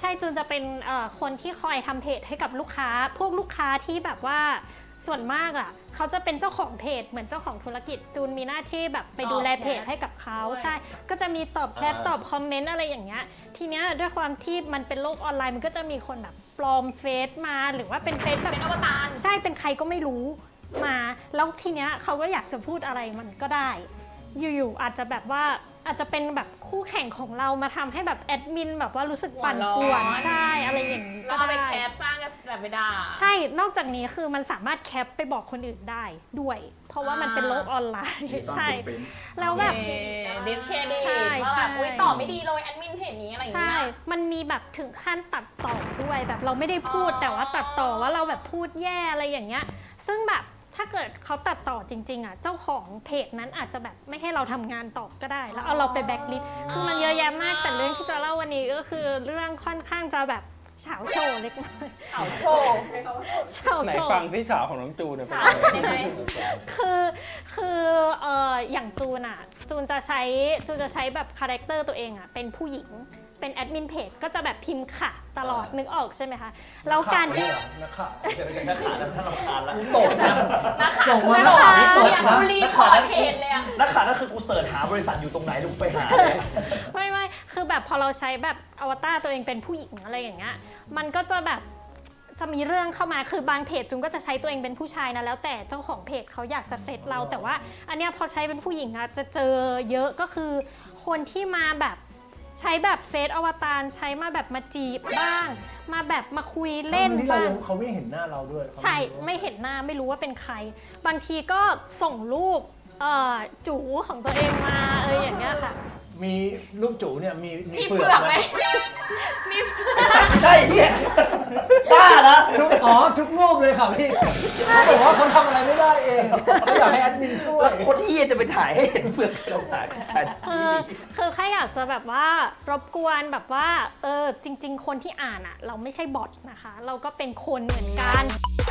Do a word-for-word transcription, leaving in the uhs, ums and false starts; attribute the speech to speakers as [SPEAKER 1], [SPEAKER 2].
[SPEAKER 1] ช่จูนจะเป็นคนที่คอยทำเพจให้กับลูกค้าพวกลูกค้าที่แบบว่าส่วนมากอ่ะเขาจะเป็นเจ้าของเพจเหมือนเจ้าของธุรกิจจูนมีหน้าที่แบบไปดูแลเพจให้กับเขาใช่ก็จะมีตอบแชทตอบคอมเมนต์อะไรอย่างเงี้ยทีเนี้ยด้วยความที่มันเป็นโลกออนไลน์มันก็จะมีคนแบบปลอมเฟซมาหรือว่าเป็นเฟซแบบ
[SPEAKER 2] เป็นอวตาร
[SPEAKER 1] ใช่เป็นใครก็ไม่รู้มาแล้วทีเนี้ยเขาก็อยากจะพูดอะไรมันก็ได้อยู่ๆอาจจะแบบว่าอาจจะเป็นแบบคู่แข่งของเรามาทำให้แบบแอดมินแบบว่ารู้สึกปั่นป่วนใช่อะไรอย่างนี้ก็ได้
[SPEAKER 2] เราไปแคปสร้างกันแบบไม่ได้
[SPEAKER 1] ใช่นอกจากนี้คือมันสามารถแคปไปบอกคนอื่นได้ด้วยเพราะว่ามันเป็นโลกออนไลน์ใช่แล้วแบบ
[SPEAKER 2] ดิสเครดิตว่าแบบอุ้ยตอบไม่ดีเลยแอดมินเพจนี้อะไรอย่างเงี้ย
[SPEAKER 1] ใช่มันมีแบบถึงขั้นตัดต่อด้วยแบบเราไม่ได้พูดแต่ว่าตัดต่อว่าเราแบบพูดแย่อะไรอย่างเงี้ยซึ่งแบบถ้าเกิดเขาตัดต่อจริงๆอ่ะเจ้าของเพจนั้นอาจจะแบบไม่ให้เราทำงานต่อก็ได้แล้วเอาเราไปแบ็คลิสต์คือมันเยอะแยะมากแต่เรื่องที่จะเล่าวันนี้ก็คือเรื่องค่อนข้างจะแบบเฉาโชว์เล็กน้อย
[SPEAKER 2] เฉาโชว์
[SPEAKER 1] เฉาโชว์
[SPEAKER 3] ไหนฟังที่เฉาของน้องจูนเนี่ยเป็น
[SPEAKER 2] ยังไง
[SPEAKER 1] คือคือเอ่ออย่างจูนอ่ะจูนจะใช้จูนจะใช้แบบคาแรคเตอร์ตัวเองอ่ะเป็นผู้หญิงเป็นแอดมินเพจก็จะแบบพิมพ์ค่ะตลอดนึกออกใช่ไหมคะแล้วการที่
[SPEAKER 4] นักข่าวนักข่าวแล้วท่านรำคาญแล้ว
[SPEAKER 3] ตกนะ
[SPEAKER 2] นักข่าว
[SPEAKER 4] ส่งมา
[SPEAKER 2] นักข่าว
[SPEAKER 4] ตก
[SPEAKER 2] อยาก
[SPEAKER 4] นะ
[SPEAKER 2] รีพอร์ตเพจเลยอะ
[SPEAKER 4] นักข่าวนั่นคือกูเสิร์ชหาบริษัทอยู่ตรงไหนลุงไปหาเลย
[SPEAKER 1] ไม่ไม่คือแบบพอเราใช้แบบอวตารตัวเองเป็นผู้หญิงอะไรอย่างเงี้ยมันก็จะแบบจะมีเรื่องเข้ามาคือบางเพจจุงก็จะใช้ตัวเองเป็นผู้ชายนะแล้วแต่เจ้าของเพจเขาอยากจะเซตเราแต่ว่าอันเนี้ยพอใช้เป็นผู้หญิงอะจะเจอเยอะก็คือคนที่มาแบบใช้แบบเฟซอวตารใช้มาแบบมาจีบบ้างมาแบบมาคุยเล่นบ้าง
[SPEAKER 3] เขาไม่เห็นหน้าเราด้วย
[SPEAKER 1] ใช่ไม่เห็นหน้าไม่รู้ว่าเป็นใครบางทีก็ส่งรูปจู๋ของตัวเองมาอะไรอย่างเงี้ยค่ะ
[SPEAKER 3] มีลูกจูเนี่ยมีมีเปลื
[SPEAKER 2] เปลื
[SPEAKER 3] อ
[SPEAKER 2] อก
[SPEAKER 3] กไห
[SPEAKER 2] ไห
[SPEAKER 3] ม
[SPEAKER 2] มมี
[SPEAKER 4] ใช่เนี่ยบ้าละ
[SPEAKER 3] ทุกอ๋อทุกรูปเลยค่ะพี่เขาบอกว่าเขาทำอะไรไม่ได้เองเขาอยากให้แอดมินช่วย
[SPEAKER 4] คนที่จะไปถ่ายให้เห็นเปลือกเราถ่ายฉัน
[SPEAKER 1] คือคือแค่อยากจะแบบว่ารบกวนแบบว่าเออจริงๆคนที่อ่านอ่ะเราไม่ใช่บอทนะคะเราก็เป็นคนเหมือนกัน